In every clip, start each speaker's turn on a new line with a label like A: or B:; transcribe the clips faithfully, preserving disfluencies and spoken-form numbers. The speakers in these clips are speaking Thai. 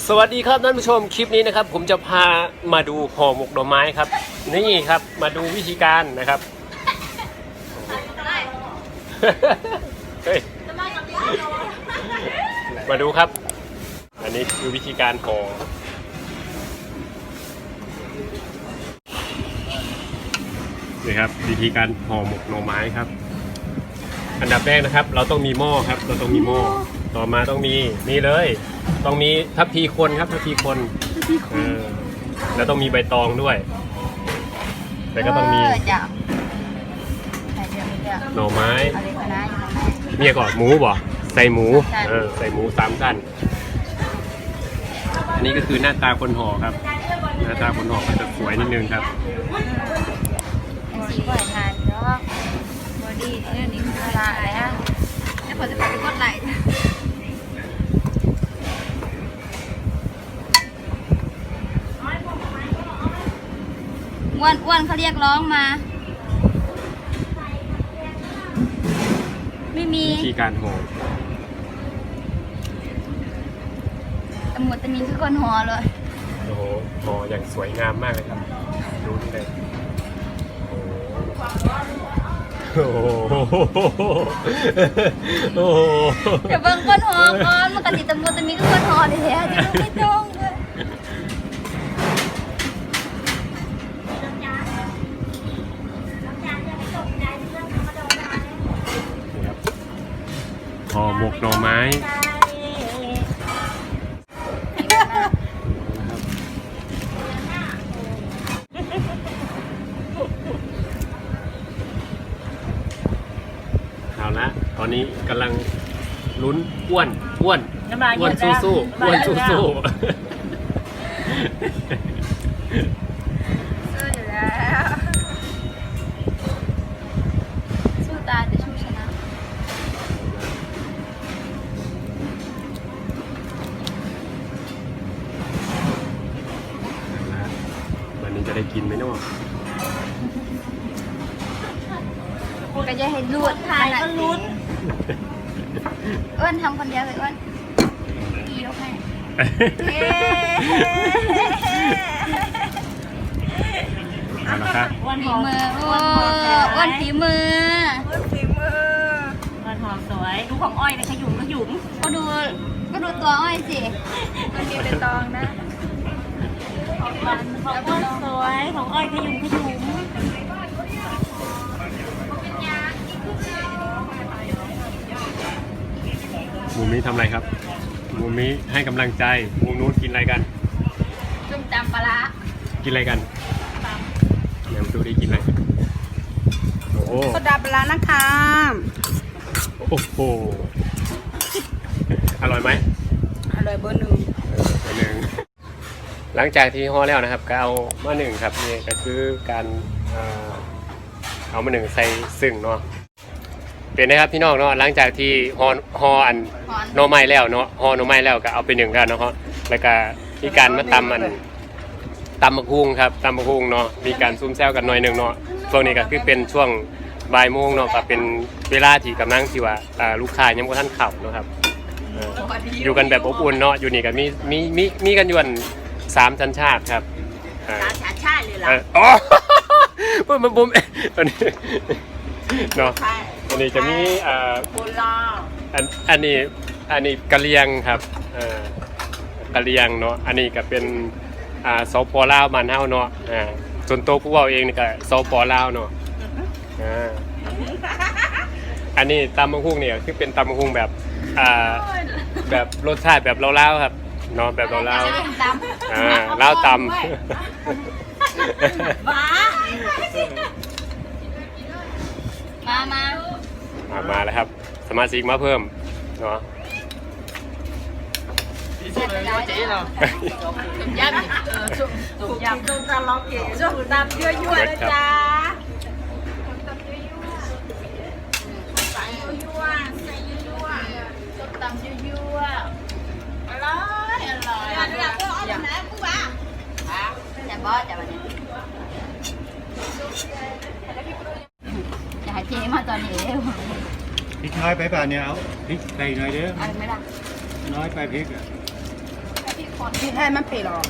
A: สวัสดีครับท่านผู้ชมคลิปนี้นะครับผมจะพามาดูห่อหมกหน่อไม้ครับนี่ครับมาดูวิธีการนะครับเฮ้ยมาดูครับอันนี้คือวิธีการห่อนี่ครับวิธีการห่อหมกหน่อไม้ครับอันดับแรกนะครับเราต้องมีหม้อครับเราต้องมีหม้อต่อมาต้องมีนี่เลยต้องมีทัพพีคนครับทัพพีคนเออแล้วต้องมีใบตองด้วยแต่ก็ต้องมีหน่อไม้เมียก่อนหมูบ่ใส่หมูเออใส่หมูสามชั้นอันนี้ก็คือหน้าตาคนห่อครับหน้าตาคนห่อก็จะสวยนิดนึงครับ
B: สีบ่อยทานเนาะบอดี้เรื่องนี้คืออะไรอ่ะแล้วพอจะไปกดไหลอ้วนอ้วนเขาเรียกร้องมาไม่มี
A: วิธีการห่อ
B: ตำรวจตะมินคือคนห่อเลย
A: โอ้โหห่ออย่างสวยงามมากเลยครับดูนี่เลยโอ้โหโอ้โห
B: เดี๋ยวเบิ่งคนห่อก่อนมันกติตำรวจตะมินคือคนห่อเลยอะที่ดูไม่ตรงเลย
A: ห่อหมกหน่อไม้เอาละตอนนี้กำลังลุ้นอ้วนอ้วนอ้วนสู้สู้อ้วนสู้สู้
B: สู้อยู่แล้วสู้ตายแต่ชูชนะ
A: วันนี้จะได้กินไหมเนาะ
B: ก็จะให้รูดทานก็รูดอ้วนทำคนเดียวเลยอ้วนพี่ยกให้
A: เอาละครับ
B: ฝีมืออ้วนฝีมือ
C: อ้วนฝีมืออ้วนหอมสวยดูของอ้อยเลยขยุ่มขยุ่ม
B: ก็ดูก็ดูตัวอ้อยสิ
C: มันมีเป็นตองนะของมันของอ้วนสวยของอ้อยขยุ่มขยุ่ม
A: มูมิทำอะไรครับมูมิให้กำลังใจมูนู้นกินอะไรกัน
B: จุ่มจำปลา
A: กินอะไรกันเดี๋ยวดูดิกินอะไรโอ้โห
C: โซดาปลานะคะ
A: โอ้โหอร่อยไหม
C: อร่อยเบอร์หนึ่ง
A: เบอร์หนึ่งหลังจากที่ห่อแล้วนะครับก็เอามาหนึ่งครับนี่ก็คือการเอามาหนึ่งใส่ซึ่งเนาะเป็นนะครับพี่น้องเนาะหลังจากที่ห่อห่ออันหน่อไม้แล้วเนาะห่อหน่อไม้แล้วก็เอาไปหนึ่งกันเนาะแล้วก็มีการมาตำมันตำมะฮุงครับตำมะฮุงเนาะมีการซุ่มแซวกันหน่อยหนึ่งเนาะช่วงนี้ก็คือเป็นช่วงบ่ายโมงเนาะก็เป็นเวลาที่กำลังที่ว่าลูกค้ายังไม่ทันเข้าเนาะครับอยู่กันแบบอบอุ่นเนาะอยู่นี่ก็มีมีมีมีกันอยู่สามชั้นชาติครับ
C: สามชั้นชาติเลยเหรอ
A: อ๋อปุ๊บปุ๊บตอนนี้เนาะอันนี้จะมีอ่าอันอันนี้อันนี้กะเลียงครับอ่ากะเลียงเนาะอันนี้ก็เป็นอ่าสปลาวบ้านเฮาเนาะอ่าส่วนตัวผู้เว้าเองนี่ก็สปลาวเนาะอ่าอันนี้ตำมะฮุ่งเนี่ยคือเป็นตำมะฮุ่งแบบอ่าแบบรสชาติแบบลาวๆครับเนาะแบบลาวๆอ่าลาวตำ
B: บ้ามามา
A: มามาแล้วครับสมาชิกมาเพิ่มเนาะ
C: ยำเออสุกยำต้มตำล็อกเก๋สุกตำยั่วๆนะจ๊ะใส่ยั่วๆใส่ยั่วๆต้มตำยั่วๆอร่อยอร่อยอยากเพื่ออ้อมไหนกูบ้า
B: อย่าบอสอย่าแบบนี้อย่าให้เจ๊มาตอนนี้เร็ว
D: พริกน้อยไปป่ะเนี่ยเอาพริกใส่หน่อยเด้อ
B: อะไรไม่ล่ะ
D: น้อยไปพริกอ่ะ
B: พริก
C: พี่ให้มันไปหรอ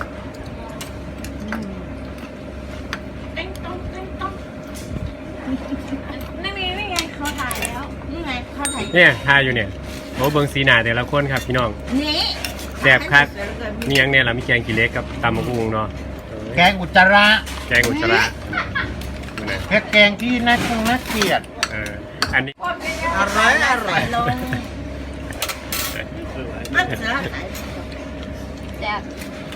C: เต้งต้องเต้งต้องนี่นี่นี่ไงเขาถ่ายแล้วนี่ไงเขาถ่าย
A: เนี่ยทายอยู่เนี่ยโอ้เบิงสีหน้าแต่ละคนครับพี่น้อง
C: นี่
A: แซ่บคักมีหยังเนี่ยเรามีแกงขี้เหล็กกับตำมะกุ้งเนาะ
D: แกงอุจจาระ
A: แกงอุจจาระนั่นนะ
D: แค่แกงที่น่าคงน่าเกลียด
A: เอออันนี้
D: อร่อยอร่อย
C: ลงมันจะถ่าย
B: แซ่บ